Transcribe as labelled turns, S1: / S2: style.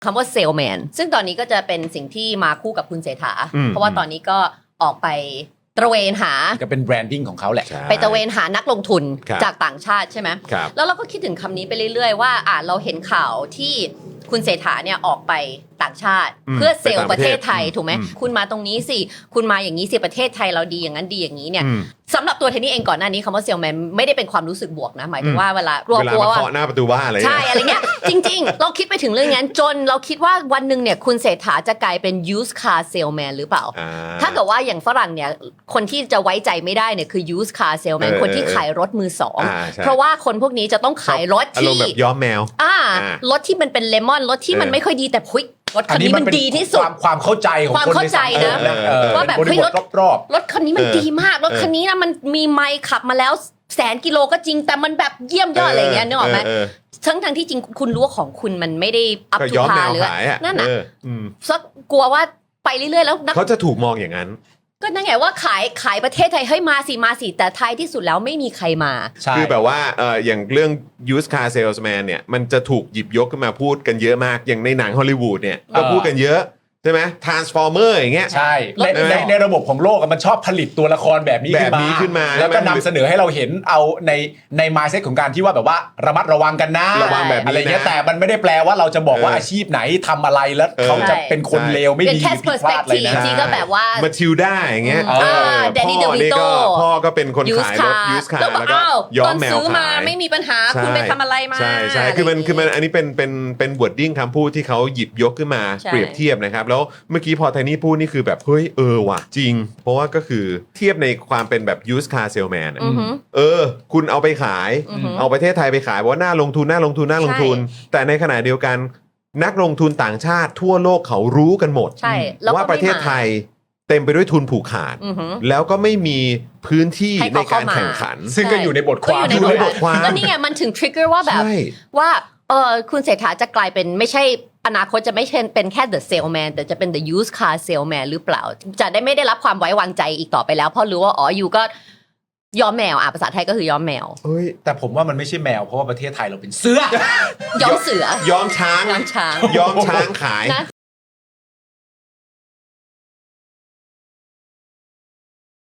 S1: คำว่าเซลแมนซึ่งตอนนี้ก็จะเป็นสิ่งที่มาคู่กับคุณเศรษฐาเพราะว่าตอนนี้ก็ออกไปตระเวนหา
S2: ก็เป็นแบรนดิ้งของเขาแหละ
S1: ไปตระเวนหานักลงทุนจากต่างชาติใช่ไหมแล้วเราก็คิดถึงคำนี้ไปเรื่อยๆว่าเราเห็นข่าวที่คุณเศรษฐาเนี่ยออกไปต่างชาติเพื่อเซลล์ประเทศไทยถูกไหมคุณมาตรงนี้สิคุณมาอย่างนี้สิประเทศไทยเราดีอย่างนั้นดีอย่างนี้เนี่ยสำหรับตัวเทนนี่เองก่อนหน้านี้คำว่าเซลแมนไม่ได้เป็นความรู้สึกบวกนะหมายถึงว่าเวลากลัวว่า
S3: เคาะหน้าประตูบ้านอะไร
S1: ใช่อะไรเงี้ยจริงๆเราคิดไปถึงเรื่องนั้นจนเราคิดว่าวันหนึ่งเนี่ยคุณเศรษฐาจะกลายเป็น used car salesman หรือเปล่าถ้าเกิดว่าอย่างฝรั่งเนี่ยคนที่จะไว้ใจไม่ได้เนี่ยคือ used car salesman คนที่ขายรถมือสองเพราะว่าคนพวกนี้จะต้องขายรถที่
S3: แบบย้อมแมว
S1: รถที่มันเป็นเลมอนรถที่มันไม่ค่อยดีแต่รถคันนี้มันดีที่สุด
S2: ความเข้าใจของ
S1: ความเข้าใจนะว่าแบบรถคันนี้มันดีมากรถคันนี้นะมันมีไมล์ขับมาแล้ว100,000 กิโลก็จริงแต่มันแบบเยี่ยมยอดอะไรอย่างเงี้ยนึกออกไหมทั้งที่จริงคุณรู้ว่าของคุณมันไม่ได้อัพทูพาหรือนั่นน่ะซักกลัวว่าไปเรื่อยๆแล้ว
S3: เขาจะถูกมองอย่างนั้น
S1: ก็นั่นไงว่าขายประเทศไทยให้มาสิแต่ท้ายที่สุดแล้วไม่มีใครมา
S3: คือแบบว่าอย่างเรื่อง used car salesman เนี่ยมันจะถูกหยิบยกขึ้นมาพูดกันเยอะมากอย่างในหนังฮอลลีวูดเนี่ยก็พูดกันเยอะใช่ไหม Transformer อย่างเงี้ย
S2: ใช่ในระบบของโลกมันชอบผลิตตัวละครแบบนี้ขึ้นมาแล้วก็นำเสนอให้เราเห็นเอาใน mindset ของการที่ว่าแบบว่าระมัดระวังกันนะ
S3: ระวังแบบ
S2: อะไรเงี้ยแต่มันไม่ได้แปลว่าเราจะบอกว่าอาชีพไหนทำอะไรแล้วเขาจะเป็นคนเลวไม่ดี
S1: ผิดพลาดอะไรนะ
S3: จริงก็แบบว่ามาทิลด้าอย่างเงี้ยพ่อก็เป็นคนขายรถ used car แล้วก็ย้อมแมวขาย
S1: ไม่มีปัญหาคุณไปทำอะไรมา
S3: ใช่คือมันอันนี้เป็น wording คำพูดที่เขาหยิบยกขึ้นมาเปรียบเทียบนะครับแล้วเมื่อกี้พอไทนี่พูดนี่คือแบบเฮ้ยว่ะจริงเพราะว่าก็คือเทียบในความเป็นแบบ used car salesman คุณเอาไปขายเอาประเทศไทยไปขายว่าน่าลงทุนแต่ในขณะเดียวกันนักลงทุนต่างชาติทั่วโลกเขารู้กันหมดว่าประเทศไทยเต็มไปด้วยทุนผูกขาดแล้วก็ไม่มีพื้นที่ในการแข่งขัน
S2: ซึ่งก็อยู่ในบทความ
S1: ก็นี่ไงมันถึงทริกเกอร์ว่าแบบว่าคุณเศรษฐาจะกลายเป็นไม่ใช่อนาคตจะไม่ใช่เป็นแค่ the salesman แต่จะเป็น the used car salesman หรือเปล่าจะได้ไม่ได้รับความไว้วางใจอีกต่อไปแล้วเพราะรู้ว่าอยู่ก็ย้อมแมวภาษาไทยก็คือย้อมแมว
S2: แต่ผมว่ามันไม่ใช่แมวเพราะว่าประเทศไทยเราเป็นเสือ
S1: ย้อมเสือ
S3: ย้อมช้าง
S1: ย้อมช้าง
S3: ย้อมช้างขาย